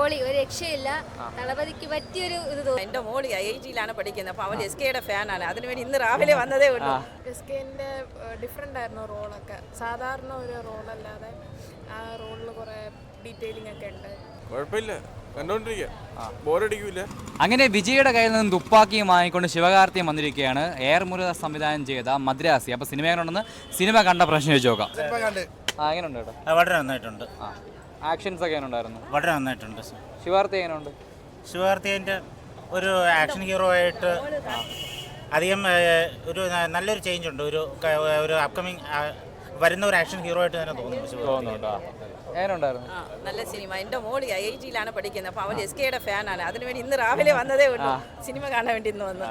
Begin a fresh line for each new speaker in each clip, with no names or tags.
പൊളി, ഒരു രക്ഷയില്ല. തളപതിക്ക് പറ്റിയൊരു ഇത് തോന്നുന്നു.
എൻ്റെ മോളി IIT-യിലാണ് പഠിക്കുന്നത്. അപ്പോൾ അവൾ SKയുടെ ഫാനാണ്. അതിനുവേണ്ടി ഇന്ന് രാവിലെ വന്നതേ ഉള്ളൂ.
SKൻ്റെ ഡിഫറെൻ്റ് ആയിരുന്നു റോളൊക്കെ. സാധാരണ ഒരു റോളല്ലാതെ ആ റോളിൽ കുറേ ഡീറ്റെയിലിംഗ് ഒക്കെ ഉണ്ട്.
കുഴപ്പമില്ല, കണ്ടോണ്ടിരിക്കുക, ബോറടിക്കൂല.
അങ്ങനെ വിജയുടെ കയ്യിൽ നിന്ന് തുപ്പാക്കിയും വാങ്ങിക്കൊണ്ട് ശിവകാർത്തിയും വന്നിരിക്കുകയാണ്. എയർ മുരുകദാസ് സംവിധാനം ചെയ്ത മദ്രാസി. അപ്പോൾ സിനിമ എങ്ങനെയുണ്ടെന്ന് സിനിമ കണ്ട പ്രശ്നം ചോദിച്ചു നോക്കാം. എങ്ങനെയുണ്ട് കേട്ടോ?
വളരെ നന്നായിട്ടുണ്ട്.
ആക്ഷൻസ് ഒക്കെ എങ്ങനെയുണ്ടായിരുന്നു?
വളരെ നന്നായിട്ടുണ്ട്.
ശിവാർത്തി എങ്ങനെയുണ്ട്?
ശിവാർത്തിൻ്റെ ഒരു ആക്ഷൻ ഹീറോ ആയിട്ട് അധികം ഒരു നല്ലൊരു ചേഞ്ച് ഉണ്ട്. ഒരു അപ്കമിങ് വരുന്ന ഒരു ആക്ഷൻ ഹീറോ ആയിട്ട് തന്നെ തോന്നുന്നു.
എങ്ങനെയുണ്ടായിരുന്നു?
നല്ല സിനിമ. എൻ്റെ മോളി IIT-യിലാണ് പഠിക്കുന്നത്. അപ്പോൾ അവൾ SKയുടെ ഫാനാണ്. അതിനുവേണ്ടി ഇന്ന് രാവിലെ വന്നതേ ഉള്ളൂ. സിനിമ കാണാൻ വേണ്ടി ഇന്ന് വന്നു.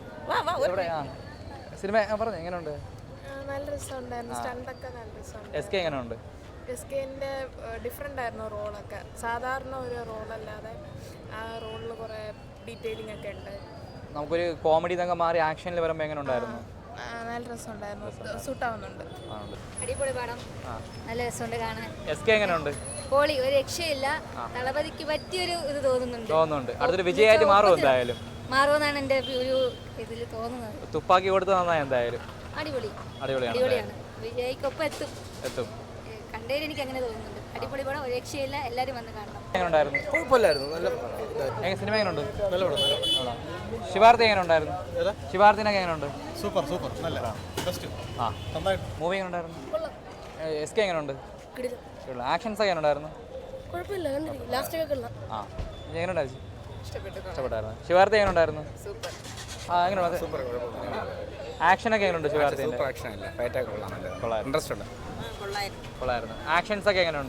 സിനിമ പറഞ്ഞു എങ്ങനെയുണ്ട്?
നല്ല രസമുണ്ടായിരുന്നു. സ്റ്റണ്ടൊക്കെ നല്ല രസമുണ്ട്.
SK എങ്ങനെയുണ്ട്?
SKൻ്റെ ഡിഫറെൻ്റ് ആയിരുന്നു റോളൊക്കെ. സാധാരണ ഒരു റോളല്ലാതെ ആ റോളിൽ കുറേ ഡീറ്റെയിലിംഗ് ഒക്കെ ഉണ്ട്.
നമുക്കൊരു കോമഡി ഇതൊക്കെ മാറി ആക്ഷനിൽ വരുമ്പോൾ എങ്ങനെ ഉണ്ടായിരുന്നു?
നല്ല രസമുണ്ടായിരുന്നു. സൂട്ടാവുന്നുണ്ട്.
അടിപൊളി പടം, നല്ല രസമുണ്ട് കാണാൻ.
SK എങ്ങനെയുണ്ട്?
പൊളി, ഒരു രക്ഷയില്ല. തളപതിക്ക് പറ്റിയൊരു ഇത്
തോന്നുന്നുണ്ട്. അടുത്തൊരു വിജയമായിട്ട് മാറും എന്തായാലും.
മാറുമെന്നാണ് എൻ്റെ ഒരു ഇതിൽ തോന്നുന്നത്.
തുപ്പാക്കി കൊടുത്ത് നന്നായി എന്തായാലും.
അടിപൊളിയാണ്. വിജയ്ക്കൊപ്പം എത്തും. കണ്ടതിൽ എനിക്ക് അങ്ങനെ തോന്നുന്നുണ്ട്. അടിപൊളി പടം, ഒരു രക്ഷയില്ല. എല്ലാവരും വന്ന് കാണണം.
എങ്ങനെയുണ്ടായിരുന്നു?
കുഴപ്പമില്ലായിരുന്നു, നല്ല
സിനിമ എങ്ങനെയുണ്ട്?
നല്ല പടം.
ശിവാർത്തി എങ്ങനെയുണ്ടായിരുന്നു? ശിവാർത്തിനൊക്കെ എങ്ങനെയുണ്ട്?
സൂപ്പർ നല്ല ബെസ്റ്റ്.
മൂവി എങ്ങനെയുണ്ടായിരുന്നു? SK എങ്ങനെയുണ്ട്? ആക്ഷൻസ് ഒക്കെ എങ്ങനെയുണ്ടായിരുന്നു? എങ്ങനെയുണ്ടായിരുന്നു? ഇഷ്ടപ്പെട്ടായിരുന്നു. ശിവാർത്തി എങ്ങനെയുണ്ടായിരുന്നു? എങ്ങനെയുണ്ട്? ആക്ഷനൊക്കെ എങ്ങനെയുണ്ട്? ശിവാർത്തിൻ്റെ കൊള്ളായിരുന്നു. ആക്ഷൻസ് ഒക്കെ എങ്ങനെയുണ്ട്?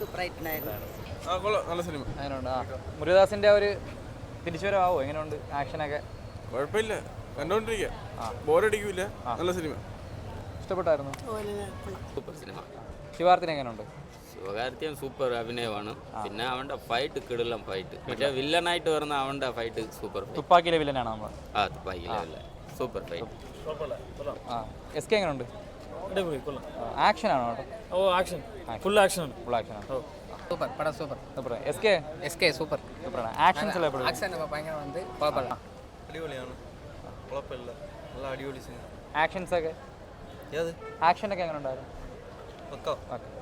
നല്ല സിനിമ.
എങ്ങനെയുണ്ട്? മുരുകദാസിന്റെ ഒരു തിരിച്ചുവരവാവോ? എങ്ങനെയുണ്ട് ആക്ഷനൊക്കെ?
കുഴപ്പമില്ല, കണ്ടോണ്ടിരിക്കുക, ബോറടിക്കൂല. നല്ല സിനിമ.
ഇഷ്ടപ്പെട്ടായിരുന്നു?
Super cinema.
ശിവാർത്തിന് എങ്ങനെയുണ്ട്?
ശിവകാർത്തിയൻ സൂപ്പർ അഭിനയമാണ്. പിന്നെ അവൻ്റെ ഫൈറ്റ് കിടിലം ഫൈറ്റ്. പക്ഷേ വില്ലനായിട്ട് വരുന്ന അവൻ്റെ ഫൈറ്റ് സൂപ്പർ.
തുപ്പാക്കിയിലെ വില്ലനാണ് നമ്മൾ.
തുപ്പാക്കിയിലെ വില്ലൻ സൂപ്പർ ഫൈറ്റ്.
SK എങ്ങനെയുണ്ട്? ആക്ഷൻ ആണോ?
Full action.
സൂപ്പർ പടം, സൂപ്പർ. SK super. ആക്ഷൻസ് എല്ലാം
അടിപൊളിയാണ്, കുഴപ്പമില്ല, നല്ല അടിപൊളി സിനിമ.
ആക്ഷൻസ് ഒക്കെ എങ്ങനെ ഉണ്ടായിരുന്നു?